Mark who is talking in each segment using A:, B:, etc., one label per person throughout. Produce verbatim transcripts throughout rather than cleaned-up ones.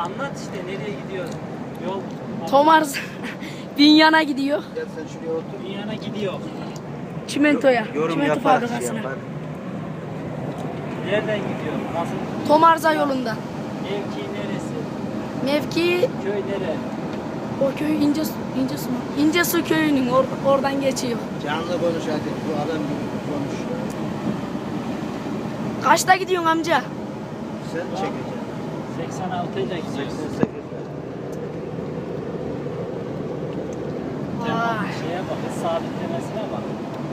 A: anlat işte nereye gidiyor? Yol.
B: Tomars Binyan'a gidiyor.
C: Gel sen şuraya otur.
A: Dünyana gidiyor.
B: Çimentoya.
C: Yorum
B: Çimento
C: yapar, şey
B: fabrikasına.
C: yapar.
A: Nereden gidiyor? Nasıl?
B: Tomarza yolunda.
A: Mevki neresi?
B: Mevki
A: Köy nere?
B: o köy İnce İncesu mu? İncesu köyünün or, oradan geçiyor.
C: Canlı konuş hadi. Bu adam gibi konuş.
B: Kaçta gidiyorsun amca?
C: Sen çekeceksin.
A: seksen altı ile gidiyoruz.
C: seksen sekiz.
A: Tamam,
B: Vay.
A: şeye bak, hız sabitlemesine bak.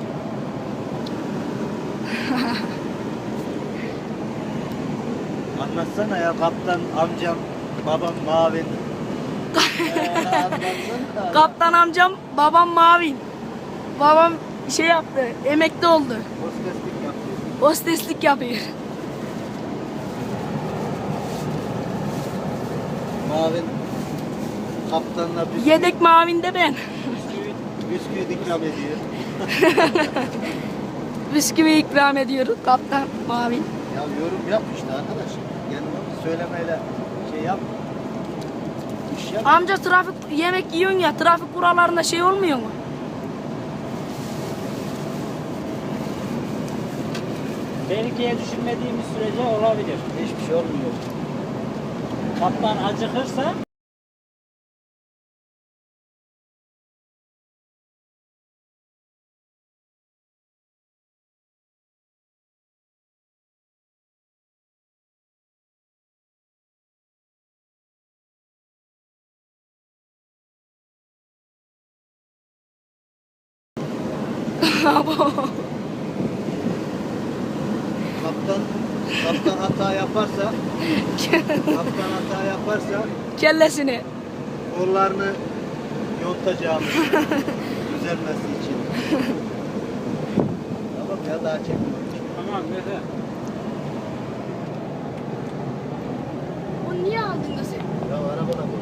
C: Anlatsana ya kaptan amcam, babam Mavin. Ee, anlatsana.
B: Kaptan amcam, babam Mavin. Babam şey yaptı, emekli oldu.
C: Hosteslik yapıyor.
B: Hosteslik yapıyor.
C: Mavin kaptanla bisküvi,
B: Yedek Mavin de ben.
A: Bisküvit.
C: bisküvi ikram ediyor.
B: Bisküvi ikram ediyoruz kaptan Mavin.
C: Ya yorum yap işte arkadaş. Yani söylemeyle şey yap. İş yap.
B: Amca trafik yemek yiyorsun ya, trafik kurallarında şey olmuyor mu?
A: Tehlikeye düşünmediğimiz sürece olabilir.
C: Hiçbir şey olmuyor.
A: Kaptan acıkırsa
C: Kaptan kaptan hata yaparsa kaptan hata yaparsa
B: Kellesini.
C: kollarını yontacağımız düzelmesi için. Tamam ya daha çekmiyorum.
A: tamam Mete.
B: O niye aldın da sen?
C: Ya arabada